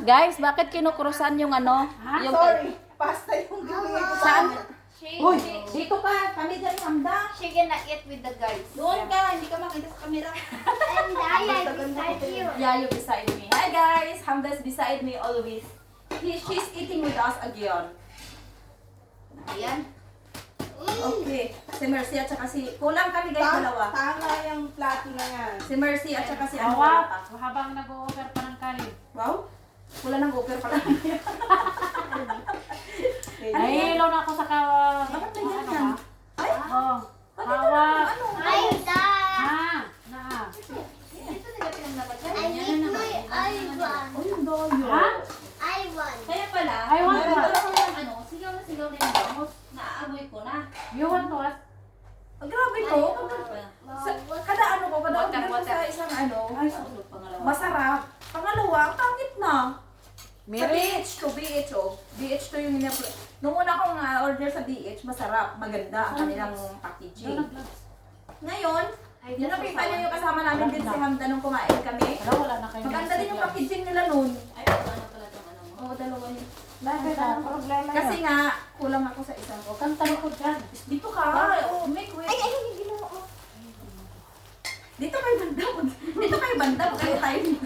Guys, bakit kinukrusan yung ano? Yung Sorry, pasta yung gawin ko. Saan? Uy, dito ka. Kami dyan, Hamda. She cannot eat with the guys. Doon ka, hindi ka makita sa camera. And I beside you. Yeah, you beside me. Hi guys, Hamda is beside me always. She's eating with us again. Ayan. Okay. Si Mercy at saka si... Kulang kami guys, dalawa. Tama yung plato na yan. Si Mercy at saka si ano. Wow, wala pa. habang nag-o-offer pa ng kanin. Wow. Wala nang offer pala. Nahihilo na ako sa Bakit may ganyan? Ay, Oh, bakit hawak. ano? I die. Na. Ito nila pinagdapat yan. I need my Ivan. Oh, yung doyo. Ha? Ivan. Kaya pala, I want meron what? akong ano, sigaw na rin ako. Naaamoy ko na. You want what? Oh, grabe to. Kada ano ko, kada Water, order ko water. sa isang ano, Pangalawa. masarap. Pangalawa, ang pangit na. Sa Mary? BH oh. BH to yung nung una akong order sa BH, masarap, maganda ang kanilang packaging. Ngayon, yung nakita niyo yung kasama namin din si Hamda nung kumain kami. Wala, wala na kayo. Maganda din yung packaging nila nun. Ay, ano pala itong ano mo? Oo, dalawa yun. Bakit ang problema Kasi yun? nga, kulang ako sa isang ko. Kang talikod dyan. Dito ka. Oh, make way. Ay, yung ginawa ko. Dito kayo banda. Dito kayo banda. Huwag kayo tayo dito.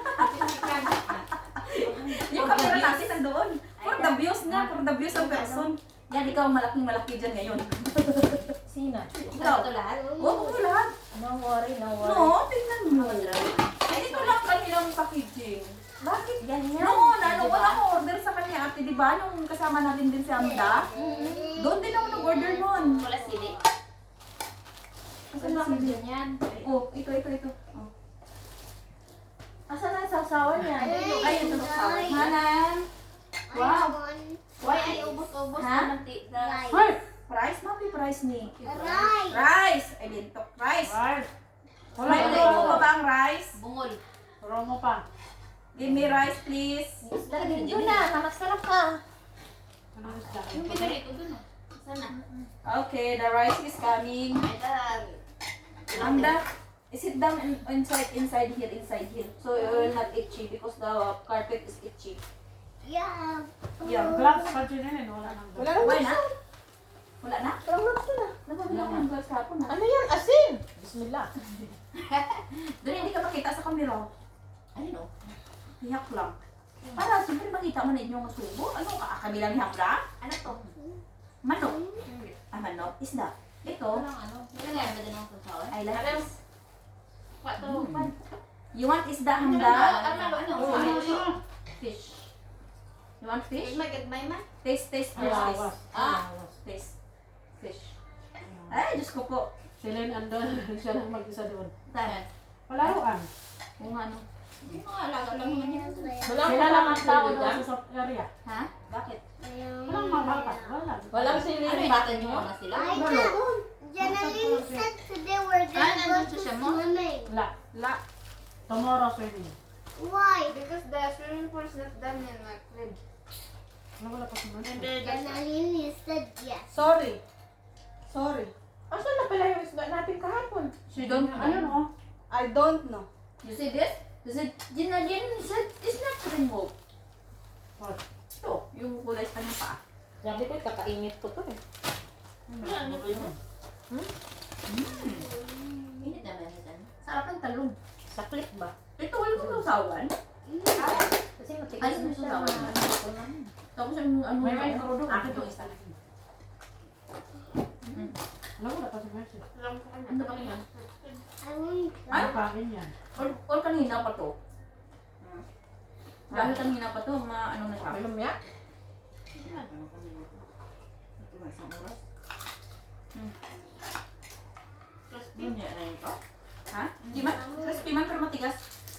Yung camera natin nandoon. For the views nga. For the views of person. Yan, ikaw malaking malaki dyan ngayon. Sino? Ikaw. Ito lahat? Oo, lahat. No worry, no worry. No, tingnan mo. Ay, dito lang kanilang packaging. Bakit ganyan? No, wala akong order sa kanya ate, di ba? Nung kasama natin din si Amda. Doon din ako nag-order nun. Wala sili. Asan na sili? Yan. Oh, ito. Oh. Asan ang sausawan niya? Ay, ito sa Hanan. Wow. Why ay ubos-ubos Ha? na mantika? Hoy! Price? Mami, price ni. Rice. Rice! Ay, dito. Rice. Right. Wala May ito. mo ba ba ang rice? Bungol. Turo mo pa. Give me rice, please. Dito na, masarap ka. Ano isda? Yung pinarito dun oh. Sana. Okay, the rice is coming. Ay, dami. Amda, sit down inside here. So you will not itchy because the carpet is itchy. Yeah. Yeah. Gloves pa dyan yun. Wala nang Wala Wala naman. na? Wala na? Parang gusto na. Nababila ko ng gloves kapon na. Ano yan? Asin. Bismillah. Doon hindi ka makita sa camera. Ano no? Hiyak lang. Para siyempre makita mo na inyong subo. Ano ka? Kabilang hiyak lang? Ano to? Manok. Ah, manok. Isda. Ito. Anong ano? Nilagay ba din ang sasawa? I like this. What to? You want isda, Ano? Handa? Ano? Fish. You want fish? Magagmay man? Taste first. Awas. Ah. Taste. Fish. Ay, Diyos ko po. Silin andun. Siya lang mag-isa doon. Tayo. Palaruan. Kung ano. Yung mga alaga lang naman yan. Sila lang ang tao doon sa soft area. Ha? Bakit? Walang mabakas. Wala. Walang sili. Ano yung bata niyo na sila? I know. Janelle said today we're gonna go nandun to siya mo? swimming. Wala. La. Tomorrow swimming. Why? Because the swimming pool is not done in my crib. Wala pa si And then Janelle said yes. Sorry. Asan na pala yung isda natin kahapon? She don't Ano no? I don't know. You see this? This is, Jinalin said, it's not removed. What? Ito, yung kulay sa kanyang paa. Sabi ko, kakainit ko to eh. Init naman yan. Sarap ng talong. Saklit ba? Ito, wala mo sausawan. Kasi matigas Ayun na yung siya. sausawan. Tapos yung ano, May micro doon. Akin yung isa. Wala pa si Mercy. Ano ba yan? I want Ay, Ano pa rin yan? or kanina pa to. Dahil kanina pa to, ano na siya. Alam niya? Yun yan na ito. Ha? Di man? Crispy man pero matigas.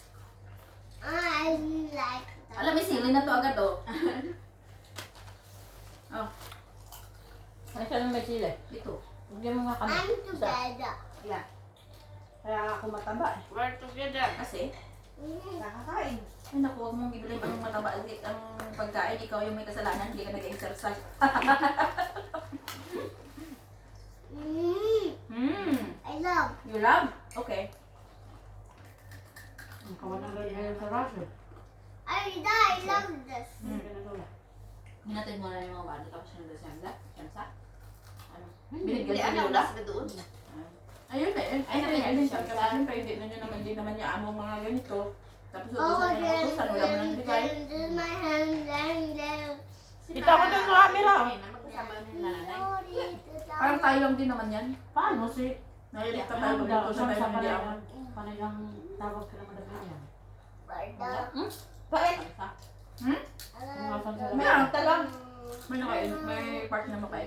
I like that. Alam, may sili na to agad oh. Oh, Ano siya ng may sili? ito. Bigyan mo nga kami. I'm together. Yeah. Kaya ako mataba eh. We're together. Kasi, Nakakain. ay naku, huwag mong bibili ang mataba ang pagkain. Ikaw yung may kasalanan, hindi ka nag-exercise. I love. You love? Okay. Ang kawalan rin ngayon sa Russia. I die. love this. Hindi ka na lola. Hinatid mo na yung mga bata tapos yung December. Siyempre. Ano? Binigyan Hindi, niyo ano, nila. ulas ka doon. Ayun na, Ay, ayun nakita na, siya. siyempre hindi na nyo naman, hindi naman niya among mga ganito. Tapos Oh, utusan niya ng utusan, wala mo nang bigay. then my hand, then. Kita ko doon sa camera. Magkasama na yung nanay. Parang tayo lang din naman yan. Paano si... Nailikta tayo pag utusan tayo ng hindi among. Panilang tawag ka naman na yan. Bakit? Tumasan sila. May arta lang. May part na mapay.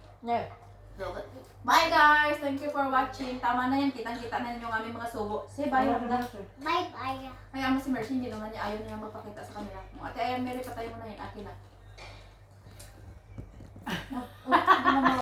Bye guys! Thank you for watching. Tama na yan, kitang-kita na yung aming mga subo. Say bye Wala Hamda. na siya. Bye-bye. Kaya mo si Mercy, hindi naman niya ayaw niya magpakita sa kanila. Kung ate, ayan, Mary, patay mo na yun. Akin na.